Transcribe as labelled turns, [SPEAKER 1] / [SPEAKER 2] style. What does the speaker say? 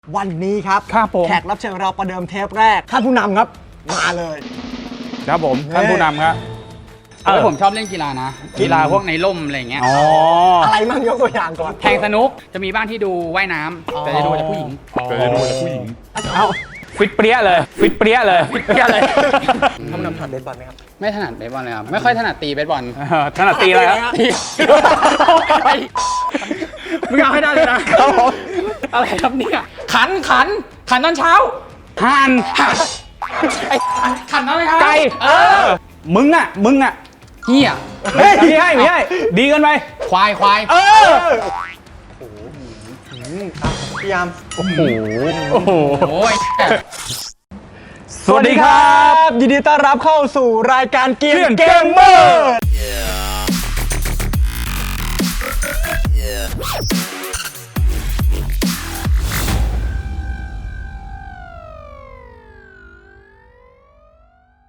[SPEAKER 1] วันนี้ครับแขกรับเชิญเราประเดิมเทปแรกท่านผู้นำครับมาเลย
[SPEAKER 2] ครับผมท่านผู้นำครับ
[SPEAKER 3] ผมชอบเล่นกีฬานะกีฬาพวกในร่มอะไรเงี้ย
[SPEAKER 1] อะไรมั่งยกตัวอย่างก่อน
[SPEAKER 3] แทงสนุกจะมีบ้างที่ดูว่ายน้ำแต่จะดูแต่ผู้หญิง
[SPEAKER 2] เอาฟิตเปรี้ยเลยฟิตเปรี้ยเลย
[SPEAKER 1] ท่านผู้นำถนัดเบสบอลไหมครับ
[SPEAKER 3] ไม่ถนัดเบสบอลเลยครับไม่ค่อยถนัดตีเบสบอล
[SPEAKER 2] ถนัดตีอะไรครับ
[SPEAKER 3] มึงเอาให้ได้เลยนะอะไรครับเนี่ยขันตอนเช้า
[SPEAKER 2] ห่าน
[SPEAKER 3] ไอ้ขันตอนเช้า
[SPEAKER 2] ไก่มึงอ่ะ
[SPEAKER 3] เหี้ย
[SPEAKER 2] ไม่ให้ดีกันไป
[SPEAKER 3] ควาย
[SPEAKER 1] พี่ยาม
[SPEAKER 2] โอ้โห
[SPEAKER 1] สวัสดีครับยินดีต้อนรับเข้าสู่รายการเกมเมอร์